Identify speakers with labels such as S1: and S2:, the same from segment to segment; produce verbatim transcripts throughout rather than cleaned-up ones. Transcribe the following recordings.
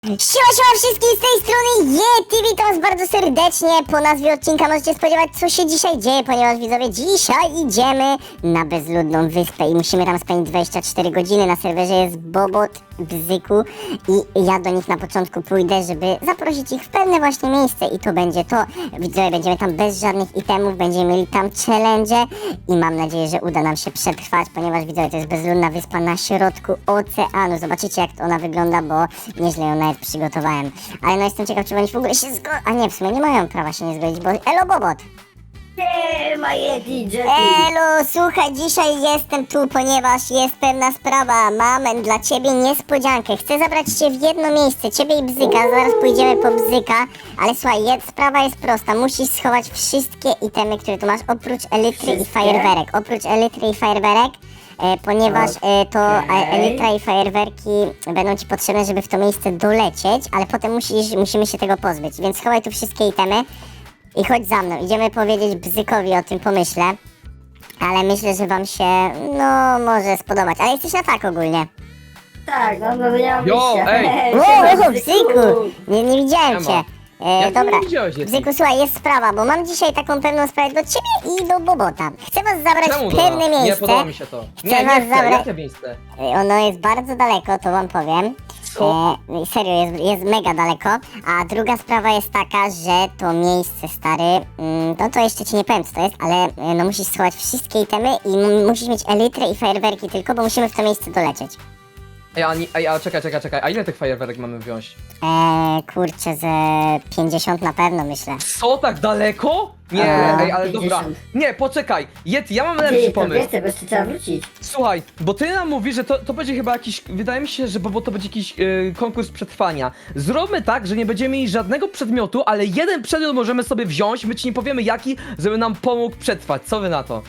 S1: Siema, siema wszystkim z tej strony Yeti, witam was bardzo serdecznie. Po nazwie odcinka możecie spodziewać, co się dzisiaj dzieje, ponieważ widzowie, dzisiaj idziemy na bezludną wyspę i musimy tam spędzić dwadzieścia cztery godziny. Na serwerze jest Bobot, Bzyku i ja do nich na początku pójdę, żeby zaprosić ich w pewne właśnie miejsce i to będzie to. Widzowie, będziemy tam bez żadnych itemów, będziemy mieli tam challenge i mam nadzieję, że uda nam się przetrwać, ponieważ widzowie, to jest bezludna wyspa na środku oceanu. Zobaczycie, jak ona wygląda, bo nieźle ją nawet przygotowałem. Ale no jestem ciekaw, czy oni w ogóle się zgodzą. A nie, w sumie nie mają prawa się nie zgodzić, bo... Elo, Bobot!
S2: Siema Yeti, Jetty!
S1: Elo, słuchaj, dzisiaj jestem tu, ponieważ jest pewna sprawa. Mam dla ciebie niespodziankę. Chcę zabrać cię w jedno miejsce, ciebie i Bzyka. Zaraz pójdziemy po Bzyka. Ale słuchaj, jed, sprawa jest prosta. Musisz schować wszystkie itemy, które tu masz, oprócz elitry i
S2: Wszystkie?
S1: fajerwerek. Oprócz elitry i fajerwerek. E, ponieważ e, to e,
S2: Okej.
S1: elitra i fajerwerki będą ci potrzebne, żeby w to miejsce dolecieć, ale potem musisz, musimy się tego pozbyć. Więc schowaj tu wszystkie itemy i chodź za mną. Idziemy powiedzieć Bzykowi o tym pomyśle. Ale myślę, że wam się, no, może spodobać. Ale jesteś na tak ogólnie.
S2: Tak, no no nie mam
S3: Jo,
S2: wyjścia.
S3: ej!
S1: Wow,
S2: Siema,
S1: wow, Bzyku! Nie, nie widziałem
S3: Siema.
S1: cię. E,
S3: Jak
S1: dobra,
S3: nie widziałeś, Yeti?
S1: Bzyku, słuchaj, jest sprawa, bo mam dzisiaj taką pewną sprawę do ciebie i do Bobota. Chcę was zabrać
S3: Czemu
S1: w
S3: do
S1: pewne
S3: nas?
S1: miejsce.
S3: Nie podoba mi się to.
S1: Chcę
S3: Nie,
S1: was
S3: nie chcę,
S1: zabrać-
S3: jakie miejsce?
S1: E, Ono jest bardzo daleko, to wam powiem.
S3: Co?
S1: E, serio, jest, jest mega daleko. A druga sprawa jest taka, że to miejsce, stary, mm, no to jeszcze ci nie powiem, co to jest, ale e, no musisz schować wszystkie itemy i m- musisz mieć elitrę i fajerwerki tylko, bo musimy w to miejsce dolecieć.
S3: Ej, a, nie- ej, a czekaj, czekaj, czekaj, a ile tych fajerwerek mamy wziąć?
S1: Eee, kurczę, ze pięćdziesiąt na pewno, myślę.
S3: Co, tak daleko? Nie,
S2: A,
S3: ej, ale dobra.
S2: pięćdziesiąt.
S3: Nie, poczekaj, Yeti, ja mam
S2: Ty,
S3: lepszy
S2: to
S3: pomysł.
S2: więcej, bo jeszcze trzeba wrócić.
S3: Słuchaj, bo ty nam mówisz, że to, to będzie chyba jakiś, wydaje mi się, że bo, bo to będzie jakiś yy, konkurs przetrwania. Zróbmy tak, że nie będziemy mieli żadnego przedmiotu, ale jeden przedmiot możemy sobie wziąć, my ci nie powiemy jaki, żeby nam pomógł przetrwać. Co wy na to?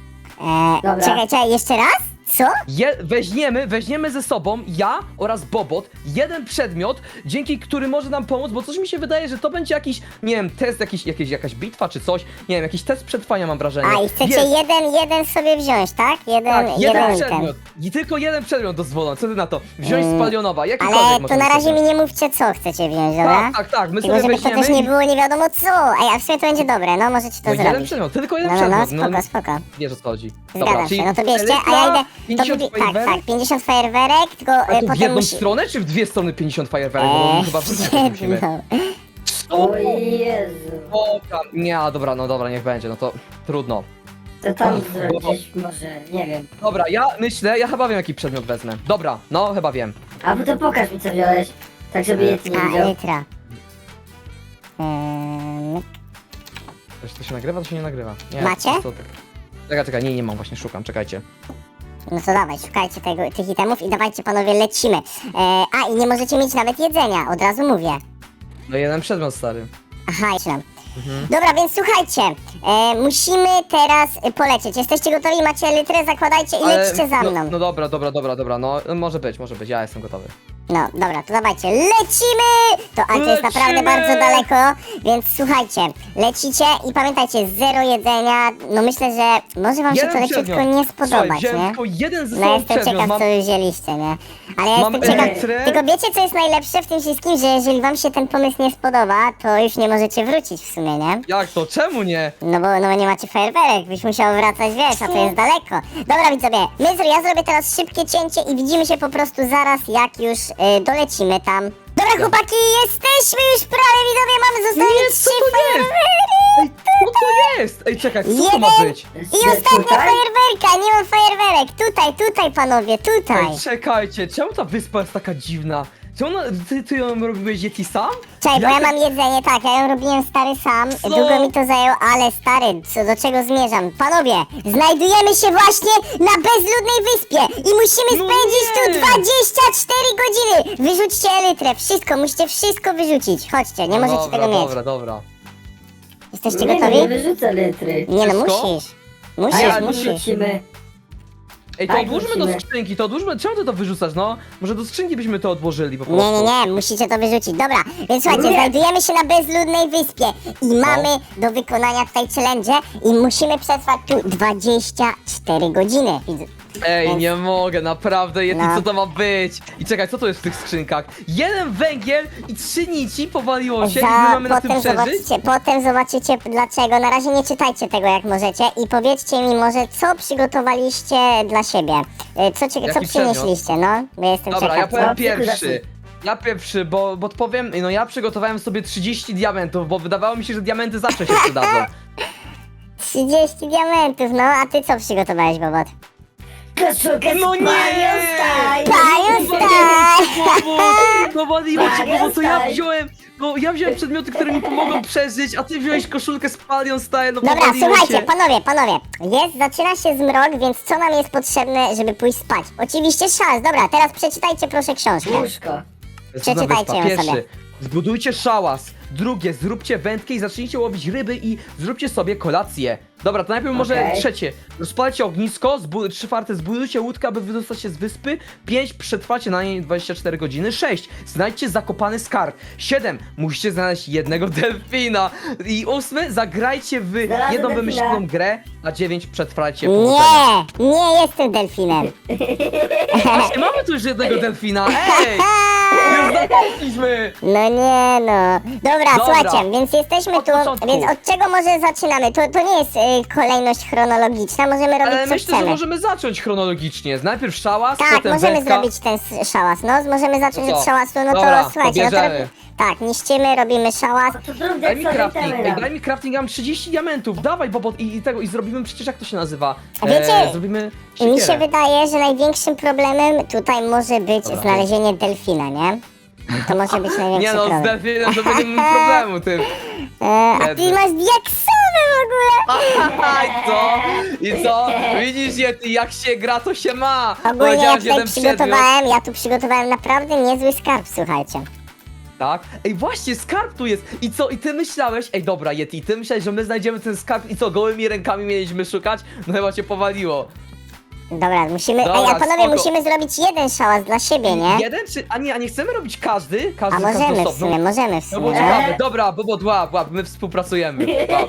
S1: Eee,
S2: Dobra.
S1: czekaj, czekaj, jeszcze raz? Co?
S3: Je, weźmiemy, weźmiemy ze sobą, ja oraz Bobot, jeden przedmiot, dzięki który może nam pomóc, bo coś mi się wydaje, że to będzie jakiś, nie wiem, test, jakiś, jakiś, jakaś bitwa czy coś, nie wiem, jakiś test przetrwania mam wrażenie.
S1: A i chcecie
S3: Jest,
S1: jeden, jeden sobie wziąć, tak? Jeden,
S3: tak, jeden
S1: jeden
S3: przedmiot.
S1: item.
S3: I tylko jeden przedmiot dozwolony, co ty na to? Wziąć
S1: Mm,
S3: z palionowa, jakikolwiek
S1: Ale to
S3: możemy
S1: na razie
S3: sobie.
S1: mi nie mówcie, co chcecie wziąć, dobra?
S3: Tak, tak, tak, my
S1: Tylko
S3: sobie
S1: żeby to
S3: weźmiemy
S1: też nie
S3: i...
S1: było nie wiadomo co. Ej, a w sumie to będzie dobre, no możecie to
S3: No jeden
S1: zrobić.
S3: przedmiot, tylko jeden
S1: No, no, no,
S3: przedmiot.
S1: spoko, spoko.
S3: Wiesz o co chodzi.
S1: Zgadzam
S3: czyli
S1: się, no to bierzcie, a
S3: elitra,
S1: ja idę... To
S3: pięćdziesiąt
S1: budu- tak,
S3: fajerwerek?
S1: tak, pięćdziesiąt fajerwerek, tylko
S3: A
S1: e,
S3: to w
S1: potem
S3: jedną
S1: musi...
S3: stronę, czy w dwie strony pięćdziesiąt fajerwerek? Bo
S1: Eee,
S3: chyba wszyscy musimy.
S1: jedno.
S2: O Jezu.
S3: Dobra, nie, a dobra, no dobra, niech będzie, no to trudno.
S2: To tam
S3: Och,
S2: zrobić
S3: bo-
S2: gdzieś może, nie wiem.
S3: Dobra, ja myślę, ja chyba wiem jaki przedmiot wezmę. Dobra, no chyba wiem.
S2: A bo to pokaż mi co wziąłeś. Tak żeby Yeti nie
S1: A,
S2: widział.
S1: elitra. Eee,
S3: Czy to się nagrywa, to się nie nagrywa. Nie,
S1: Macie?
S3: To, to... Czekaj, czekaj, nie, nie mam, właśnie szukam, czekajcie.
S1: No to dawaj, szukajcie tego, tych itemów i dawajcie panowie, lecimy. E, a i nie możecie mieć nawet jedzenia, od razu mówię.
S3: No jeden przedmiot, stary.
S1: Aha, jeszcze nam. Dobra, więc słuchajcie, e, musimy teraz e, polecieć. Jesteście gotowi? Macie litrę? Zakładajcie i lećcie za
S3: no,
S1: mną.
S3: no dobra, dobra, dobra, dobra, no może być, może być, ja jestem gotowy.
S1: No, dobra, to dawajcie, lecimy! To, ale to jest naprawdę
S3: Lecimy!
S1: bardzo daleko, więc słuchajcie, lecicie i pamiętajcie, zero jedzenia. No myślę, że może wam się to leciutko
S3: przedmiot.
S1: nie
S3: Słuchaj,
S1: spodobać,
S3: wziąłem
S1: nie?
S3: tylko jeden ze
S1: No
S3: sobą
S1: jestem
S3: przedmiot,
S1: ciekaw,
S3: mam...
S1: co wy wzięliście, nie? Ale ja
S3: Mam
S1: jestem ciekaw,
S3: elektrę.
S1: tylko wiecie, co jest najlepsze w tym wszystkim, że jeżeli wam się ten pomysł nie spodoba, to już nie możecie wrócić w sumie, nie?
S3: Jak to? Czemu nie?
S1: No bo, no bo nie macie fajerwerek, byś musiał wracać, wiesz, a to jest daleko. Dobra widzowie, my, zro- ja zrobię teraz szybkie cięcie i widzimy się po prostu zaraz, jak już y, dolecimy tam. Dobra chłopaki, jesteśmy już prawie, widzowie, mamy zostawić
S3: Nie, co
S1: trzy
S3: to jest?
S1: fajerwery.
S3: Ej, co to jest? Ej, czekaj, co to ma
S1: Jeden.
S3: być?
S1: I ostatnia
S2: Tutaj?
S1: fajerwerka, nie mam fajerwerek, tutaj, tutaj panowie, tutaj.
S3: Ej, czekajcie, czemu ta wyspa jest taka dziwna? Czemu ona, ty, ty ją robiłeś Yeti sam?
S1: Czekaj, bo ja
S3: Jak-
S1: mam jedzenie, tak, ja ją robiłem stary sam,
S3: Co?
S1: długo mi to zajęło, ale stary, co, do czego zmierzam? Panowie, znajdujemy się właśnie na bezludnej wyspie i musimy
S3: No
S1: spędzić tu
S3: nie!
S1: dwadzieścia cztery godziny! Wyrzućcie elytrę, wszystko, musicie wszystko wyrzucić, chodźcie, nie
S3: No
S1: możecie
S3: dobra,
S1: tego mieć.
S3: Dobra, dobra.
S1: Jesteście
S2: Nie, no
S1: gotowi?
S2: nie wyrzucę litry.
S1: Nie no,
S3: Wszystko?
S1: musisz.
S2: A
S1: Musisz,
S2: jak
S1: musisz.
S2: wyrzucimy?
S3: Ej, to
S2: Tak,
S3: odłóżmy do
S2: musimy.
S3: skrzynki, to odłóżmy, czemu ty to wyrzucasz, no? Może do skrzynki byśmy to odłożyli po
S1: Nie,
S3: prostu.
S1: nie, nie, musicie to wyrzucić. Dobra, więc słuchajcie,
S2: Nie.
S1: znajdujemy się na bezludnej wyspie i mamy do wykonania tutaj challenge i musimy przetrwać tu dwadzieścia cztery godziny. Widz-
S3: Ej,
S1: Więc-
S3: nie mogę, naprawdę, Yeti,
S1: No.
S3: co to ma być? I czekaj, co to jest w tych skrzynkach? Jeden węgiel i trzy nici powaliło się i my mamy na tym
S1: potem
S3: przeżyć?
S1: zobaczycie, potem zobaczycie dlaczego. Na razie nie czytajcie tego jak możecie i powiedzcie mi może co przygotowaliście dla siebie. Y, Co, cie- co
S3: Jaki
S1: przynieśliście, no? Bo jestem
S3: Dobra, ja
S1: ciekaw.
S3: powiem
S2: co?
S3: pierwszy. Ja pierwszy, bo, bo powiem, no ja przygotowałem sobie trzydzieści diamentów, bo wydawało mi się, że diamenty zawsze się przydadzą.
S1: trzydzieści diamentów, no a ty co przygotowałeś, Bobot?
S2: Koszulkę
S3: No
S2: z
S3: nie!
S2: Palion Style!
S1: Palion Style!
S3: No waliło cię,
S2: Palion
S3: bo to ja
S2: Style.
S3: wziąłem, bo ja wziąłem przedmioty, które mi pomogą przeżyć, a ty wziąłeś koszulkę z Palion Style, no
S1: Dobra,
S3: powaliło
S1: słuchajcie,
S3: cię.
S1: panowie, panowie. Jest, zaczyna się zmrok, więc co nam jest potrzebne, żeby pójść spać? Oczywiście szans. Dobra, teraz przeczytajcie proszę książkę.
S2: Łóżko.
S1: Przeczytajcie ją
S3: Pierwszy,
S1: sobie.
S3: zbudujcie szałas. Drugie, zróbcie wędkę i zacznijcie łowić ryby i zróbcie sobie kolację. Dobra, to najpierw może
S2: Okej.
S3: trzecie. Rozpalcie ognisko, zbu- trzy czwarte, zbudujcie łódkę, aby wydostać się z wyspy. Pięć, przetrwacie na niej dwadzieścia cztery godziny. Sześć, znajdźcie zakopany skarb. Siedem, musicie znaleźć jednego delfina. I ósmy, zagrajcie w
S2: Znalazłem
S3: jedną
S2: delfina.
S3: wymyśloną grę. A dziewięć, przetrwajcie powodzenia.
S1: Nie, nie jestem delfinem.
S3: Właśnie, mamy tu już jednego delfina. Ej! Już zakończyliśmy!
S1: No nie no. Dobra,
S3: Dobra.
S1: słuchajcie, więc jesteśmy
S3: Od
S1: tu,
S3: początku.
S1: więc od czego może zaczynamy? To, to nie jest y, kolejność chronologiczna, możemy robić
S3: Ale
S1: co
S3: myślę, że
S1: chcemy.
S3: możemy zacząć chronologicznie. Najpierw szałas,
S1: Tak,
S3: potem
S1: możemy
S3: wędka.
S1: zrobić ten s- szałas, no, możemy zacząć
S3: No co?
S1: od szałasu, no
S3: Dobra,
S1: to słuchajcie, no to
S3: pobierzemy.
S1: robi- tak, niszczymy, robimy szałas.
S2: To zrób
S3: Daj mi
S2: sobie
S3: crafting,
S2: temy
S3: ej,
S2: nam.
S3: daj mi crafting, ja mam trzydzieści diamentów, dawaj Bobot i, i tego, i zrobimy przecież jak to się nazywa?
S1: A wiecie,
S3: e, zrobimy
S1: I mi się
S3: siekierę.
S1: wydaje, że największym problemem tutaj może być
S3: Dobra.
S1: znalezienie delfina, nie? To może być największy
S3: Nie no, z
S1: problem.
S3: delfinem to będzie miał problemu, ty.
S1: E, a ty
S3: Biedny.
S1: masz diaksowe w ogóle!
S3: Aha, i co? I co? Widzisz, Yeti, jak się gra, to się ma.
S1: Ogólnie ja
S3: Powiedziałeś
S1: tutaj
S3: jeden przedmiot.
S1: przygotowałem, ja tu przygotowałem naprawdę niezły skarb, słuchajcie.
S3: Tak? Ej, właśnie, skarb tu jest. I co? I ty myślałeś, ej dobra, Yeti, ty myślałeś, że my znajdziemy ten skarb i co, gołymi rękami mieliśmy szukać? No chyba cię powaliło.
S1: Dobra, musimy,
S3: Dobra,
S1: ej, a panowie,
S3: spoko.
S1: musimy zrobić jeden szałas dla siebie, nie?
S3: Jeden czy... A nie, a nie chcemy robić każdy? Każdy,
S1: A
S3: każdy
S1: możemy w
S3: osobno?
S1: sumie, możemy w
S3: No bo
S1: sumie.
S3: ciekawe, dobra, Bobo, łap, łap, my współpracujemy. Łap.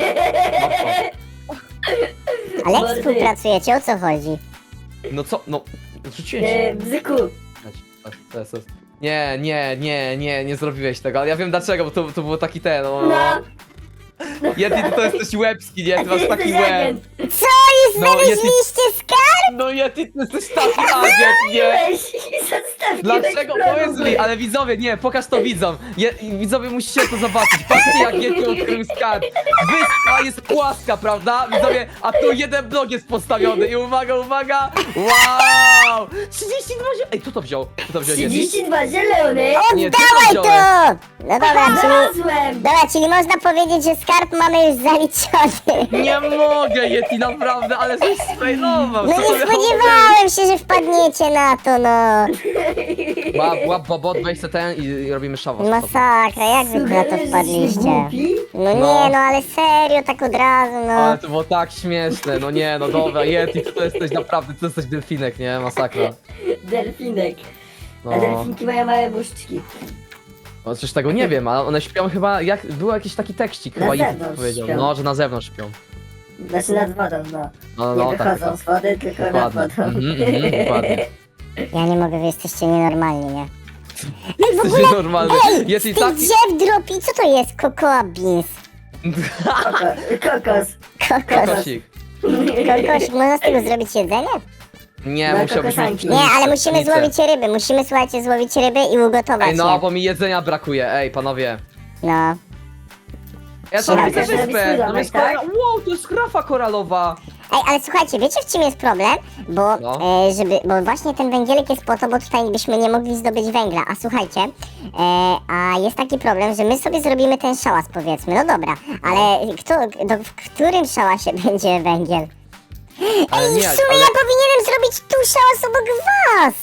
S1: Ale jak
S2: Mordy.
S1: współpracujecie, o co chodzi?
S3: No co, no, rzuciłem się.
S2: E, Bzyku.
S3: To jest- to jest- Nie, nie, nie, nie, nie zrobiłeś tego, ale ja wiem dlaczego, bo to, to było taki ten, no...
S2: No.
S3: Yeti, ty to jesteś łebski, nie? Ty masz taki
S2: Jesteś
S3: łeb.
S2: agent.
S1: Co, już
S3: No,
S1: znaleźliście skarb?
S3: No Yeti, ty jesteś taki agent, nie?
S2: Weź i zostawiłeś
S3: Dlaczego?
S2: problem.
S3: Powiedz mi, ale widzowie, nie, pokaż to widzom. Je, widzowie musicie to zobaczyć. Patrzcie jak Yeti odkrył skarb. Wyspa jest płaska, prawda? Widzowie, a tu jeden blok jest postawiony i uwaga, uwaga! Wow! trzydzieści dwa zie... Ej, kto to wziął? Kto to wziął Yeti?
S2: trzydzieści dwa zielony.
S3: Nie, ty
S1: Oddawaj
S3: to
S1: to!
S3: wziąłeś.
S1: No dobra, czyli...
S2: Znalazłem.
S1: Dobra, czyli można powiedzieć, że skarb mamy już zaliczony.
S3: Nie mogę, Yeti, naprawdę, ale żeś sfejlował.
S1: No
S3: co
S1: nie
S3: to miało
S1: spodziewałem się, że wpadniecie na to, no.
S3: być? Łap, łap, Bobot, weź se ten i, i robimy szawos.
S1: Masakra, jak wy na to
S2: Sugerujesz, że
S1: wpadliście?
S2: jesteś głupi?
S1: No
S3: No.
S1: nie, no ale serio, tak od razu, no.
S3: Ale to było tak śmieszne, no nie, no dobra, Yeti, ty to jesteś naprawdę, ty jesteś delfinek, nie? Masakra.
S2: Delfinek. A
S3: No,
S2: delfinki mają małe buźczki.
S3: no coś tego nie wiem, ale one śpią chyba, jak, był jakiś taki tekstik,
S2: Na
S3: chyba Yeti
S2: zewnątrz
S3: powiedział,
S2: śpią.
S3: no, że na zewnątrz śpią.
S2: Znaczy nad wodą, no.
S3: No,
S2: Nie
S3: no, tak,
S2: wychodzą
S3: tak.
S2: z wody, tylko nad
S3: Dokładnie.
S2: wodą.
S3: Mhm, mhm, dokładnie.
S1: Ja nie mogę, wy jesteście nienormalni, nie? Ej, w
S3: Jesteś
S1: ogóle,
S3: normalny.
S1: ej,
S3: Yeti
S1: z tych
S3: tak...
S1: drzew dropi, co to jest? Cocoa beans.
S2: Koko- Kokos.
S1: Kokos.
S3: Kokosik.
S1: Kokosik, można z tego zrobić jedzenie?
S3: Nie,
S2: No,
S3: musiałbyś
S2: kokosanki.
S3: mieć
S1: Nie, ale
S3: pszenicę,
S1: musimy
S3: pszenicę.
S1: złowić ryby, musimy, słuchajcie, złowić ryby i ugotować
S3: Ej, no,
S1: je.
S3: bo mi jedzenia brakuje, ej, panowie.
S1: No.
S3: Ja sobie
S1: Tak,
S3: widzę
S2: żeby
S3: wyspę,
S2: zrobić
S3: tam jest
S2: domek,
S3: kora... Wow, to jest grafa koralowa.
S1: Ej, ale słuchajcie, wiecie w czym jest problem? Bo,
S3: No.
S1: e, żeby, bo właśnie ten węgielek jest po to, bo tutaj byśmy nie mogli zdobyć węgla. A słuchajcie, e, a jest taki problem, że my sobie zrobimy ten szałas, powiedzmy. No dobra, ale kto, do, w którym szałasie będzie węgiel?
S3: Ale
S1: Ej,
S3: nie,
S1: w sumie
S3: ale-
S1: ja powinienem zrobić tu szałas obok was!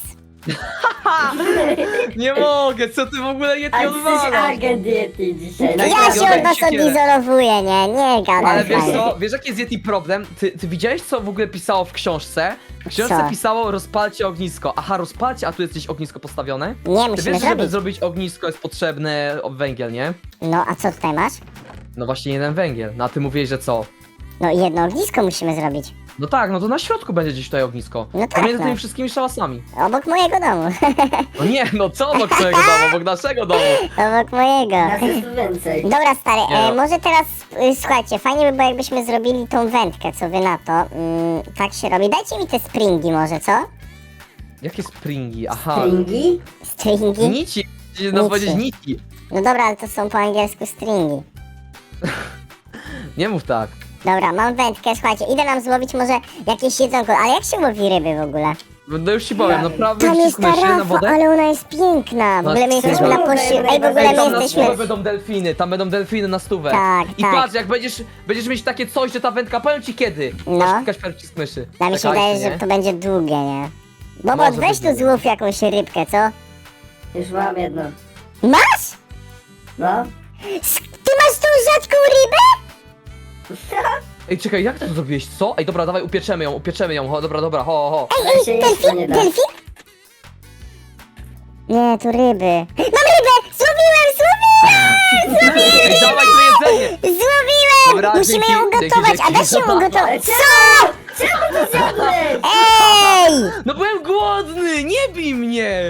S3: Nie mogę, co ty w ogóle
S2: A
S3: Yeti
S2: ty jesteś
S3: odwalasz?
S2: agent diety dzisiaj. No
S3: Ej,
S1: Ja
S3: tak,
S1: się
S3: Jodek,
S1: od was
S3: siekierę.
S1: odizolowuję, nie? Nie gadam
S3: Ale
S1: z
S3: wiesz
S1: wami.
S3: co, wiesz jaki jest Yeti problem? Ty, ty widziałeś co w ogóle pisało w książce? W książce
S1: Co?
S3: pisało rozpalcie ognisko. Aha, rozpalcie, a tu jest gdzieś ognisko postawione?
S1: Nie,
S3: Ty
S1: musimy
S3: wiesz, żeby
S1: zrobić.
S3: zrobić ognisko jest potrzebny o, węgiel, nie?
S1: No, a co tutaj masz?
S3: No właśnie jeden węgiel. No a ty mówiłeś, że co?
S1: No, jedno ognisko musimy zrobić.
S3: No tak, no to na środku będzie gdzieś tutaj ognisko.
S1: No tak,
S3: Pomiędzy
S1: no.
S3: tymi wszystkimi szałasami.
S1: Obok mojego domu.
S3: No nie, no co obok twojego domu, obok naszego domu.
S1: Obok mojego.
S2: Nas jest tu więcej.
S1: Dobra, stary,
S3: Nie
S1: e,
S3: no.
S1: może teraz, y, słuchajcie, fajnie by było, jakbyśmy zrobili tą wędkę, co wy na to? Mm, tak się robi. Dajcie mi te springi może, co?
S3: Jakie springi? Aha.
S2: Stringi?
S1: Stringi?
S3: Nici. Chciałem nam
S1: Nici.
S3: powiedzieć nici.
S1: No dobra, ale to są po angielsku stringi.
S3: Nie mów tak.
S1: Dobra, mam wędkę, słuchajcie, idę nam złowić może jakieś jedzonko, ale jak się łowi ryby w ogóle?
S3: No już ci powiem, naprawdę
S1: Tam jest ta
S3: wciskmy się na
S1: rafa,
S3: wodę.
S1: ale ona jest piękna. W
S3: Na
S1: ogóle my
S3: stówę.
S1: jesteśmy na pości... Ej, w ogóle
S3: Ej,
S1: my
S3: tam na
S1: jesteśmy...
S3: stówę będą delfiny, tam będą delfiny na stówę.
S1: Tak,
S3: I
S1: tak.
S3: patrz, jak będziesz, będziesz mieć takie coś, że ta wędka, powiem ci kiedy.
S1: No.
S3: Masz klikać przycisk myszy.
S1: A mi się
S3: Czekajcie,
S1: wydaje,
S3: nie?
S1: że to będzie długie, nie? Bobot,
S3: Może
S1: weź
S3: być
S1: tu
S3: długie.
S1: złów jakąś rybkę, co?
S2: Już mam jedną.
S1: Masz?
S2: No.
S1: S- Ty masz tą rzadką rybę?
S3: Ej, czekaj, jak ty to zrobiłeś, co? Ej, dobra, dawaj, upieczemy ją, upieczemy ją, ho, dobra, dobra, ho, ho.
S2: Ale się jeszcze
S1: Delfin?
S2: nie da.
S1: Delfin? Nie, tu ryby. Mam rybę! Złowiłem, złowiłem!
S3: Ej, dawaj to jedzenie!
S1: Złowiłem!
S3: Dobra,
S1: Musimy
S3: dzięki,
S1: ją ugotować,
S3: dzięki,
S1: a da się
S3: dzięki.
S1: ugotować.
S2: Czemu? Czemu to zjadłeś?
S1: Ej!
S3: No byłem głodny, nie bij mnie!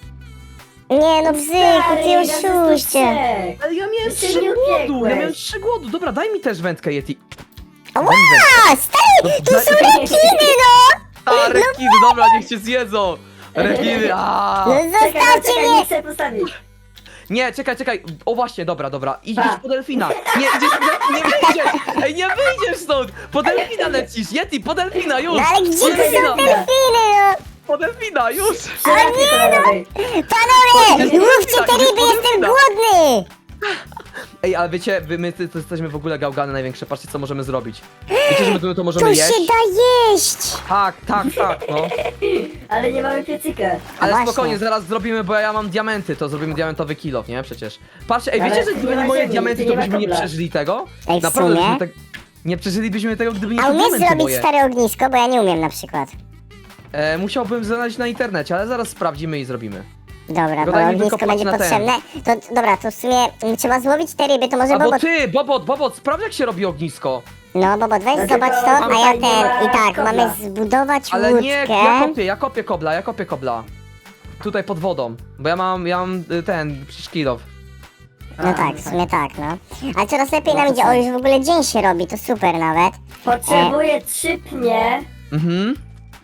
S1: Nie no, bzyku, ty
S2: Stary, nas jest tu
S1: oszuście.
S2: trzech.
S3: Ale ja miałem
S2: Ty się
S3: trzy
S2: nie
S3: głodu,
S2: upiekłeś.
S3: ja miałem trzy głodu, dobra, daj mi też wędkę, Yeti.
S1: Ła, stary, tu są rekiny, no!
S3: A, rekiny, dobra, niech cię zjedzą! Rekiny, a.
S1: No
S2: Czekaj,
S1: zostawcie
S2: czekaj,
S1: mnie!
S2: nie chcę postawić.
S3: Nie, czekaj, czekaj, o właśnie, dobra, dobra, idziesz
S2: Pa.
S3: po delfina. Nie, idziesz, nie, nie wyjdziesz, ej, nie wyjdziesz stąd! Po delfina lecisz, Yeti, po delfina, już!
S1: No ale gdzie
S3: Po
S1: tu są
S3: delfina,
S1: delfiny, no?
S3: po delfina, już!
S2: Przerabię to na lewej.
S1: Panowie,
S3: Idziesz po
S1: łówcie
S3: delfina,
S1: te
S3: idziesz
S1: ryby,
S3: po
S1: jestem
S3: delfina.
S1: głodny!
S3: Ej, ale wiecie, wy, my to jesteśmy w ogóle gałgany największe, patrzcie co możemy zrobić. Wiecie, że my to, to możemy
S1: To
S3: jeść?
S1: się da jeść!
S3: Tak, tak, tak, no.
S2: Ale nie mamy piecyka.
S3: Ale
S1: właśnie.
S3: spokojnie, zaraz zrobimy, bo ja mam diamenty, to zrobimy diamentowy kill, nie? Przecież. Patrzcie, ej,
S2: Ale
S3: wiecie, że
S2: nie
S3: gdyby nie
S2: ma
S3: moje
S2: ziemi,
S3: diamenty,
S2: nie
S3: to
S2: ma
S3: byśmy nie
S2: kobla.
S3: przeżyli tego?
S1: Ej, w
S3: Naprawdę,
S1: sumie?
S3: byśmy tak... Nie przeżylibyśmy tego, gdyby nie
S1: A
S3: te
S1: umiesz
S3: diamenty
S1: zrobić
S3: moje.
S1: stare ognisko, bo ja nie umiem na przykład.
S3: E, musiałbym znaleźć na internecie, ale zaraz sprawdzimy i zrobimy.
S1: Dobra,
S3: Tylko
S1: bo
S3: daj mi
S1: ognisko
S3: wykopać
S1: będzie
S3: na ten.
S1: potrzebne. To dobra, to w sumie mm, trzeba złowić te ryby, to może
S3: Albo
S1: Bobot...
S3: ty, Bobot, Bobot, sprawdź jak się robi ognisko.
S1: No Bobot, weź
S2: No
S1: zobacz
S2: tylko
S1: to, a ja
S2: tutaj nie
S1: ten...
S2: ma
S1: I tak,
S2: kobla.
S1: mamy zbudować
S3: Ale
S1: łódkę.
S3: nie, ja kopię, ja kopię kobla, ja kopię kobla. Tutaj pod wodą, bo ja mam, ja mam y, ten, przecież kill off.
S1: No tak, w sumie tak, no. Ale coraz lepiej
S2: No
S1: nam
S2: to
S1: idzie,
S2: co?
S1: o już w ogóle dzień się robi, to super nawet.
S2: Potrzebuję trzy pnie.
S3: Mhm.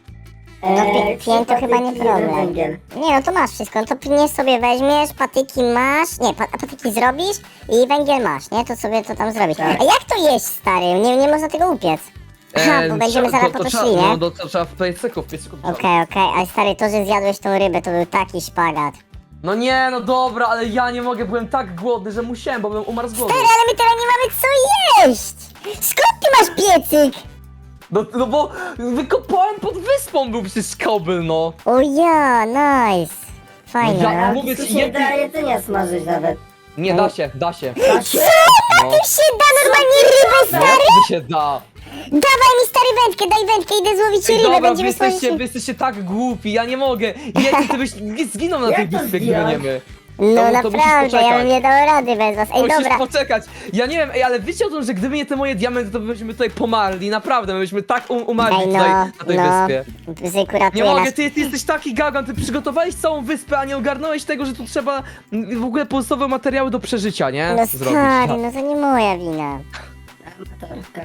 S1: No
S2: e,
S1: pi-
S2: trzy
S1: pięć to chyba nie
S2: patyki, jeden
S1: problem.
S2: węgiel.
S1: Nie no to masz wszystko, no to pnie sobie weźmiesz, patyki masz, nie, pa patyki zrobisz i węgiel masz, nie? To sobie to tam zrobisz.
S2: Tak.
S1: A jak to jeść, stary? Nie, nie można tego upiec. Aha, bo będziemy
S3: trze-
S1: zaraz
S3: to,
S1: po
S3: to
S1: to
S3: trzeba,
S1: szli, nie?
S3: No, to, to trzeba w piecyku, w piecyku.
S1: Okej, okej, ale stary, to, że zjadłeś tą rybę, to był taki szpagat.
S3: No nie, no dobra, ale ja nie mogę, byłem tak głodny, że musiałem, bo bym umarł z głodu.
S1: Stary, ale my teraz nie mamy co jeść! Skąd ty masz piecyk?
S3: No, no bo wykopałem pod wyspą, był przecież kobyl, no.
S1: O ja, nice. Fajnie,
S3: Ja-
S1: no.
S2: A
S3: mówię
S2: tu
S3: ci,
S2: się
S3: jedy-
S2: da jedzenia smażyć nawet.
S3: Nie, da się, da się.
S2: Da się?
S3: No,
S1: Tu się da normalnie rybę,
S3: no
S1: stary!
S3: jak to się da?
S1: Dawaj mi stary wędkę, daj wędkę, idę złowić
S3: Ej,
S1: rybę,
S3: dobra, wy
S1: będziemy
S3: jesteście,
S1: smażyć...
S3: wy jesteście tak głupi, ja nie mogę. Jety, ty byś zginął na tej
S2: Jak to
S3: wyspie, gdyby
S2: zdjąć?
S3: nie my.
S1: No
S3: to- to musisz
S1: naprawdę, ja
S3: poczekać.
S1: bym nie dał rady bez was. Ej,
S3: Musisz
S1: dobra.
S3: poczekać. Ja nie wiem, ej, ale wiecie o tym, że gdyby nie te moje diamenty, to byśmy tutaj pomarli. Naprawdę, my byśmy tak um umarli
S1: Ej,
S3: tutaj,
S1: no,
S3: na tej
S1: no.
S3: wyspie.
S1: Bzyku
S3: Nie
S1: ratuje
S3: mogę,
S1: nas.
S3: ty, ty jesteś taki gagan, ty przygotowałeś całą wyspę, a nie ogarnąłeś tego, że tu trzeba mm, w ogóle podstawowe materiały do przeżycia, nie?
S1: No
S3: Zrobić.
S1: stary, no to nie moja wina.
S2: Amatorka.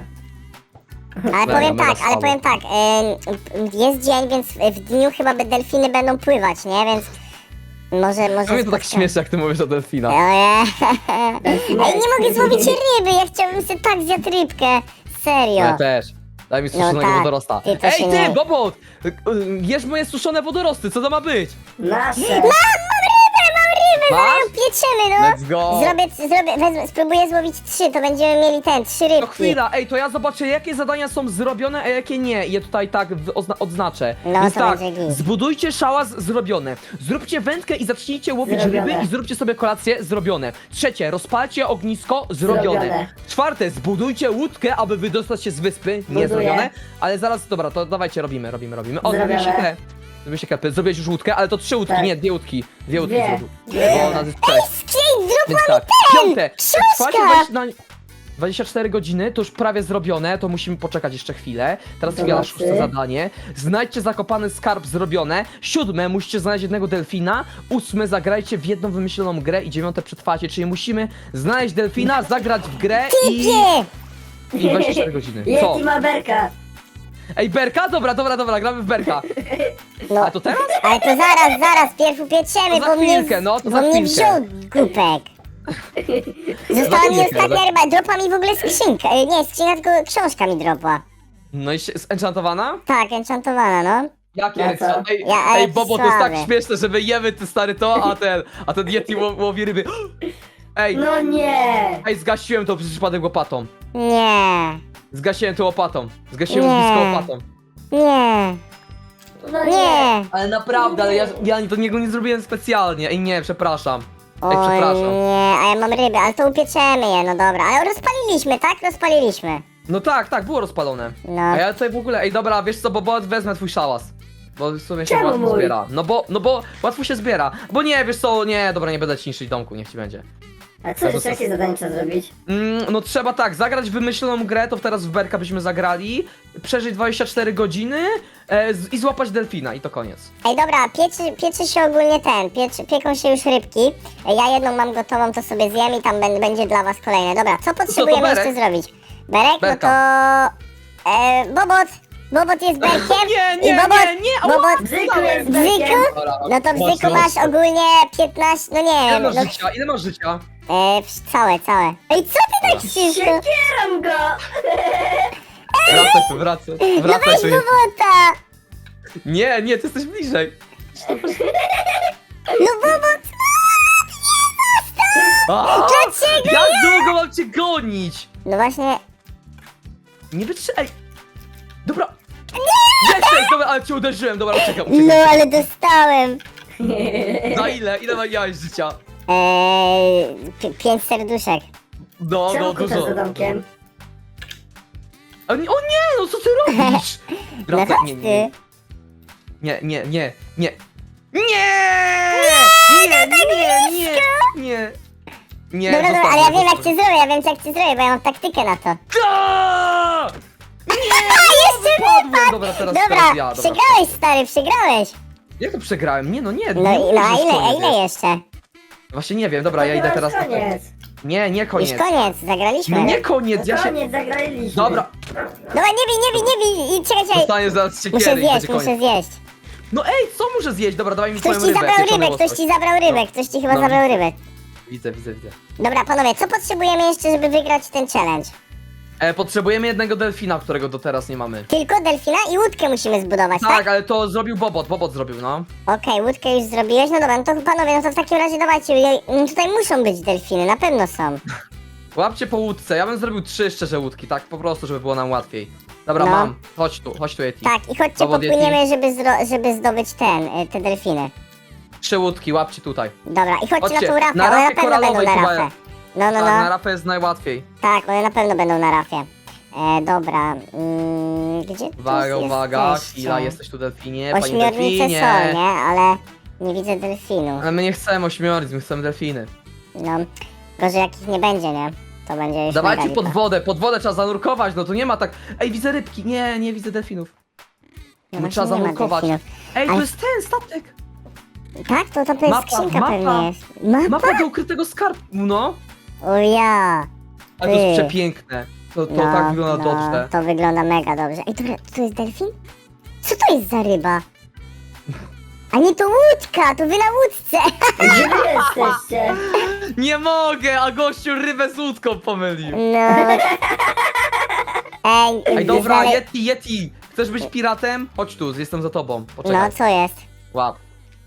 S1: Ale
S3: Mega,
S1: powiem
S3: mega
S1: tak, ale
S3: słabo.
S1: powiem tak, em, jest dzień, więc w w dniu chyba be- delfiny będą pływać, nie? Więc może, może...
S3: No mnie to tak
S1: spotkamy.
S3: śmiesznie, jak ty mówisz o delfina.
S1: Ojej. Ej, nie mogę złowić ryby, ja chciałbym sobie tak zjadł rybkę. Serio.
S3: Ja też. Daj mi suszonego
S1: tak,
S3: wodorosta.
S1: ty to
S3: Ej,
S1: się
S3: ty,
S1: nie-
S3: Bobot! Y, y, Jesz moje suszone wodorosty, co to ma być?
S2: Nasze.
S1: Mam, mam rybę, mam rybę, zaraz
S3: Masz?
S1: ją pieczemy, no.
S3: Let's go.
S1: Zrobię, zrobię, wezmę, spróbuję złowić trzy, to będziemy mieli ten, trzy
S3: To
S1: rybki.
S3: chwila, ej, to ja zobaczę, jakie zadania są zrobione, a jakie nie. I je tutaj tak w- ozna odznaczę.
S1: No,
S3: Więc
S1: to
S3: tak,
S1: będzie git.
S3: zbudujcie szałas zrobione. Zróbcie wędkę i zacznijcie łowić
S2: Zrobione.
S3: ryby i zróbcie sobie kolację zrobione. Trzecie, rozpalcie ognisko zrobione.
S2: Zrobione.
S3: Czwarte, zbudujcie łódkę, aby wydostać się z wyspy. Nie
S2: Buduję.
S3: zrobione, ale zaraz, dobra, to dawajcie, robimy, robimy, robimy. O,
S2: Zrobione.
S3: zrobiłeś się Zrobiłeś się kepy. Zrobiłeś już łódkę, ale to trzy łódki,
S2: Tak.
S3: nie, dwie łódki. Dwie łódki
S2: Dwie.
S3: zrobił.
S2: Dwie.
S3: Bo nas jest trzech.
S1: Skrzej, zrób
S3: Więc tak, piąte,
S1: książka!
S3: trwacie wejść na... dwadzieścia cztery godziny, to już prawie zrobione, to musimy poczekać jeszcze chwilę. Teraz chwila na
S2: Zobaczy.
S3: szóste zadanie. Znajdźcie zakopany skarb, zrobione. Siódme, musicie znaleźć jednego delfina. Ósme, zagrajcie w jedną wymyśloną grę i dziewiąte, przetrwacie, czyli musimy znaleźć delfina, zagrać w grę i...
S1: Typie!
S3: i dwadzieścia cztery godziny. Co?
S2: Yeti ma berka.
S3: Ej, Berka? Dobra, dobra, dobra, gramy w Berka.
S1: No,
S3: A to teraz?
S1: ale to zaraz, zaraz, pierw upietrzemy,
S3: To za
S1: bo mnie,
S3: chwilkę, no, to
S1: bo
S3: za
S1: mnie
S3: chwilkę.
S1: wziął głupek. Została mi
S3: chwilkę,
S1: ostatnia
S3: za-
S1: ryba, dropa mi w ogóle skrzynka, e, nie skrzynka, tylko książka mi dropła.
S3: No i się, enchantowana?
S1: Tak, enchantowana, no.
S3: Jakie
S2: Ja
S3: enchant?
S2: co?
S3: Ej,
S1: Ja-
S3: ej,
S1: ej,
S3: Bobo, to jest tak
S1: słabe.
S3: śmieszne, że my jemy ty stary to, a ten, a ten Yeti ło- łowi ryby. Ej,
S2: No nie.
S3: ej, zgasiłem to przez przypadek łopatą.
S1: Nie,
S3: Zgasiłem to łopatą. Zgasiłem
S1: Nie.
S3: blisko łopatą.
S1: nie,
S2: No nie.
S1: nie.
S3: Ale naprawdę, ale ja, ja to niego nie zrobiłem specjalnie. Ej, nie, przepraszam. Ej,
S1: O
S3: przepraszam.
S1: nie, a ja mam ryby, ale to upieczemy je, no dobra. Ale rozpaliliśmy, tak? Rozpaliliśmy.
S3: No tak, tak, było rozpalone.
S1: No.
S3: A ja tutaj w ogóle, ej dobra, wiesz co, Bobo, wezmę twój szałas. Bo w sumie się
S2: Czemu
S3: łatwo
S2: mój?
S3: zbiera. No bo, no bo łatwo się zbiera. Bo nie, wiesz co, nie, dobra, nie będę ci niszczyć domku, niech ci będzie.
S2: A co jeszcze, jakie zadanie trzeba zrobić?
S3: Mm, no trzeba tak, zagrać w wymyśloną grę, to teraz w Berka byśmy zagrali, przeżyć dwadzieścia cztery godziny e, z, i złapać delfina i to koniec.
S1: Ej, dobra, pieczy, pieczy się ogólnie ten, pieczy, pieką się już rybki. Ej, ja jedną mam gotową, to sobie zjem i tam ben, będzie dla was kolejne. Dobra, co potrzebujemy
S3: Berek?
S1: jeszcze zrobić? Berek,
S3: Berka.
S1: no to... E, Bobot! Bobot jest Berkiem?
S3: Nie, nie,
S1: I Bobot,
S3: nie, nie, ała!
S1: Bobot,
S2: Bzyku jest
S1: Bzyku?
S2: berkiem.
S1: No to w
S3: Mocno,
S1: Bzyku masz
S3: mocno.
S1: ogólnie piętnaście, no nie
S3: Ile
S1: wiem,
S3: masz
S1: no,
S3: życia? Ile masz życia?
S1: e, w- całe, całe. Ej, co ty tak ciężko?
S2: Siekieram go.
S3: Wracaj tu, wracaj,
S1: No
S3: wracaj
S1: weź
S3: tu.
S1: Bobota!
S3: Nie, nie, ty jesteś bliżej.
S1: No Bobot!
S3: A,
S1: Dlaczego
S3: jak długo mam cię gonić?
S1: No właśnie,
S3: Nie wytrzymaj. Ej. Dobra. Jesteś, dobra, ale cię uderzyłem, dobra, uciekam, uciekam.
S1: no ale dostałem.
S3: Na ile? Ile miałeś życia?
S1: Eee, pi- pięć serduszek.
S3: No,
S2: Czemu
S3: no,
S2: kucasz
S3: dużo.
S2: za domkiem?
S3: O nie, o nie, no co ty robisz?
S1: No
S3: Wracaj,
S1: chodź
S3: nie,
S1: ty.
S3: nie, nie, nie, nie, nie. Nie! Nie, nie, nie, nie, nie. Nie,
S1: Dobra, dobra,
S3: zostaw
S1: ale ja
S3: mnie,
S1: wiem jak
S3: zostaw
S1: cię zrobię, ja wiem jak cię zrobię, bo ja mam taktykę na to.
S3: Aaaa!
S1: Jeszcze
S3: Padłem, dobra, teraz,
S1: Dobra,
S3: teraz ja, dobra.
S1: przegrałeś stary, przegrałeś.
S3: Jak to przegrałem? Nie, no nie,
S1: No,
S3: nie
S1: i,
S3: mówię,
S1: no a
S3: że
S1: ile, a
S3: koniec
S1: ile
S3: jest.
S1: jeszcze?
S3: Właśnie nie wiem, dobra, ja idę teraz.
S2: Koniec.
S3: Nie, nie koniec.
S1: Już koniec, zagraliśmy.
S3: No nie koniec, ja się...
S2: Koniec, zagraliśmy.
S3: Dobra,
S1: Dobra, nie bij, nie bij, nie bij, i czekaj, czekaj.
S3: dostaniesz zaraz
S1: Muszę
S3: siekiery i
S1: zjeść,
S3: będzie
S1: muszę
S3: koniec.
S1: zjeść.
S3: No ej, co muszę zjeść? Dobra, dawaj mi
S1: Ktoś
S3: twoją
S1: ci
S3: rybę.
S1: zabrał
S3: pieczoną
S1: rybę, ktoś
S3: łosoś.
S1: ci zabrał rybę, ktoś ci chyba
S3: No,
S1: zabrał
S3: widzę.
S1: rybę.
S3: Widzę, widzę, widzę.
S1: Dobra, panowie, co potrzebujemy jeszcze, żeby wygrać ten challenge?
S3: E, potrzebujemy jednego delfina, którego do teraz nie mamy.
S1: Tylko delfina i łódkę musimy zbudować, tak?
S3: Tak, ale to zrobił Bobot, Bobot zrobił, no.
S1: Okej, łódkę już zrobiłeś, no dobra, no to panowie, no to w takim razie dawajcie, ja- no tutaj muszą być delfiny, na pewno są.
S3: Łapcie po łódce, ja bym zrobił trzy szczerze łódki, tak po prostu, żeby było nam łatwiej. Dobra,
S1: No.
S3: mam. Chodź tu, chodź tu, Yeti.
S1: Tak, i chodźcie,
S3: Dowód
S1: popłyniemy, żeby, zro- żeby zdobyć ten, y, te delfiny.
S3: Trzy łódki, łapcie tutaj.
S1: Dobra, i chodźcie,
S3: Chodźcie,
S1: na tą rafę,
S3: na
S1: one na
S3: rafie
S1: pewno będą
S3: koralowej
S1: na
S3: chyba
S1: rafę.
S3: jest.
S1: No, no,
S3: Tak, na
S1: no,
S3: rafę jest najłatwiej.
S1: tak, one na pewno będą na rafie. E, dobra, mm, gdzie tu
S3: Uwaga, uwaga,
S1: jesteście?
S3: chwila, jesteś tu delfinie, panie
S1: Ośmiornice
S3: delfinie.
S1: są, nie? Ale nie widzę delfinu.
S3: Ale my nie chcemy ośmiornic, my chcemy delfiny.
S1: No, gorzej jak ich nie będzie, nie? To będzie już
S3: Dawajcie
S1: mega
S3: pod
S1: lipa.
S3: wodę, pod wodę trzeba zanurkować, no to nie ma tak... Ej, widzę rybki, nie, nie widzę delfinów.
S1: No
S3: No
S1: właśnie
S3: trzeba
S1: nie ma
S3: zanurkować.
S1: delfinów.
S3: Ej, to
S1: Ale-
S3: jest ten statek!
S1: Tak? To tam to jest
S3: Mapa,
S1: skrzynka
S3: mapa.
S1: pewnie jest. Mapa?
S3: Mapa do ukrytego skarbu, no.
S1: O ja!
S3: Ale to jest
S1: Ty.
S3: przepiękne. To, to
S1: No,
S3: tak wygląda
S1: no,
S3: dobrze.
S1: to wygląda mega dobrze. Ej, dobra, to jest delfin? Co to jest za ryba? A nie, to łódka, to wy na łódce.
S2: Gdzie wy jesteście?
S3: Nie mogę, a gościu rybę z łódką pomylił.
S1: No. Ej,
S3: Ej, dobra,
S1: znale-
S3: Yeti, Yeti! Chcesz być piratem? Chodź tu, jestem za tobą.
S1: No,
S3: Poczekaj.
S1: co jest?
S3: Łap.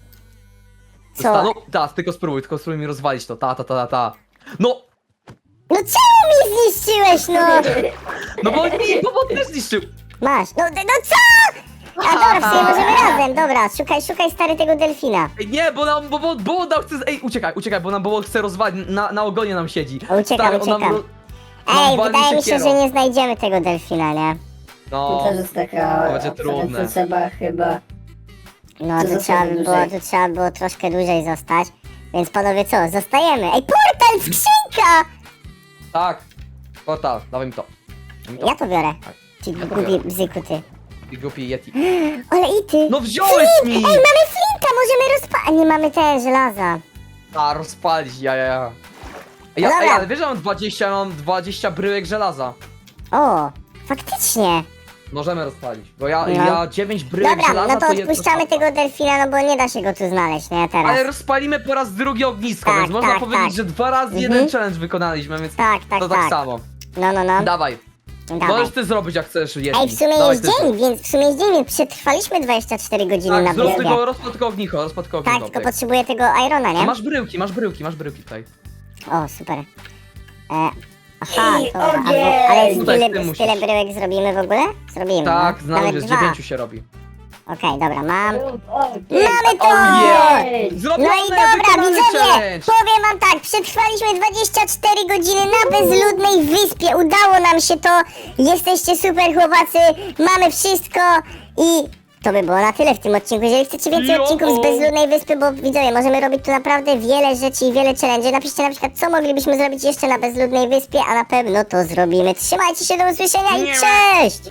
S1: Co?
S3: Zosta- No, ta, tylko spróbuj, tylko spróbuj mi rozwalić to. Ta, ta, ta, ta, ta. No,
S1: No czemu mi zniszczyłeś, no?
S3: no bo nie, bo on też zniszczył.
S1: Masz, no, no co? A dobra, w sumie możemy razem, dobra, szukaj, szukaj stary tego delfina.
S3: Ej, nie, bo nam, bo, bo, bo nam chce, ej, uciekaj, uciekaj, bo nam, bo chce rozwalić, na, na ogonie nam siedzi.
S1: O, uciekam,
S3: Stary, on nam
S1: uciekam.
S3: ro- nam
S1: Ej,
S3: wali
S1: wydaje mi się,
S3: siekierą.
S1: że nie znajdziemy tego delfina, nie?
S3: No,
S2: To też jest taka...
S3: To będzie trudne.
S2: To trzeba chyba...
S1: No,
S2: To
S1: to
S2: zostanie
S1: trzeba, by było,
S2: dłużej.
S1: to trzeba było troszkę dłużej zostać. Więc panowie co, zostajemy. Ej, portal, skrzynka!
S3: tak. O tak, dawaj mi to. Daj mi to.
S1: Ja to biorę. Ty
S3: Ja to
S1: głupi
S3: biorę.
S1: bzyku, ty.
S3: I głupi Yeti.
S1: Ale i ty.
S3: No wziąłeś mi!
S1: Ej, mamy flinta, możemy rozpalić. Nie mamy te żelaza.
S3: A, rozpalić, ja, ja, ja. Ja,
S1: Dobra.
S3: ej, ale wiesz, że mam dwadzieścia, mam dwadzieścia bryłek żelaza.
S1: O, faktycznie.
S3: Możemy rozpalić, bo ja,
S1: No.
S3: ja dziewięć bryłek
S1: Dobra,
S3: żelaza
S1: no to
S3: jest
S1: odpuszczamy
S3: rozpala.
S1: tego delfina, no bo nie da się go tu znaleźć, nie, teraz.
S3: Ale rozpalimy po raz drugi ognisko,
S1: Tak,
S3: więc można
S1: tak,
S3: powiedzieć,
S1: tak.
S3: że dwa razy
S1: Mhm.
S3: jeden challenge wykonaliśmy, więc
S1: Tak, tak,
S3: to tak,
S1: tak.
S3: samo.
S1: No, no, no.
S3: Dawaj,
S1: Dawaj.
S3: możesz ty zrobić jak chcesz, Yeti.
S1: Ej, w sumie
S3: Dawaj,
S1: jest
S3: ty
S1: dzień, więc w sumie jest dzień, więc przetrwaliśmy dwadzieścia cztery godziny na
S3: Tak, zrób
S1: wyspie.
S3: tylko, rozpal tylko ognicho, rozpal tylko
S1: Tak,
S3: ognicho.
S1: tylko potrzebuję tego irona, nie?
S3: Masz bryłki, masz bryłki, masz bryłki tutaj.
S1: O, super. E, aha,
S2: Ej,
S1: to, a,
S2: ogień!
S1: bo, ale z
S3: Tutaj
S1: tyle,
S3: ty
S1: z tyle
S3: musisz.
S1: bryłek zrobimy w ogóle? Zrobimy,
S3: Tak,
S1: no.
S3: znam,
S1: Nawet
S3: że z
S1: dwa.
S3: dziewięciu się robi.
S1: Okej, dobra, mam.
S2: Ogień!
S1: Mamy to!
S3: yeah!
S2: Ej,
S3: Zrobione,
S1: No i dobra,
S3: wykonany
S1: widzowie,
S3: challenge!
S1: powiem wam tak, przetrwaliśmy dwadzieścia cztery godziny na bezludnej wyspie, udało nam się to, jesteście super chłopacy, mamy wszystko i to by było na tyle w tym odcinku. Jeżeli chcecie więcej
S3: Jo!
S1: odcinków z bezludnej wyspy, bo widzowie, możemy robić tu naprawdę wiele rzeczy i wiele challenge, napiszcie na przykład, co moglibyśmy zrobić jeszcze na bezludnej wyspie, a na pewno to zrobimy. Trzymajcie się, do usłyszenia i
S3: Nie ma.
S1: cześć!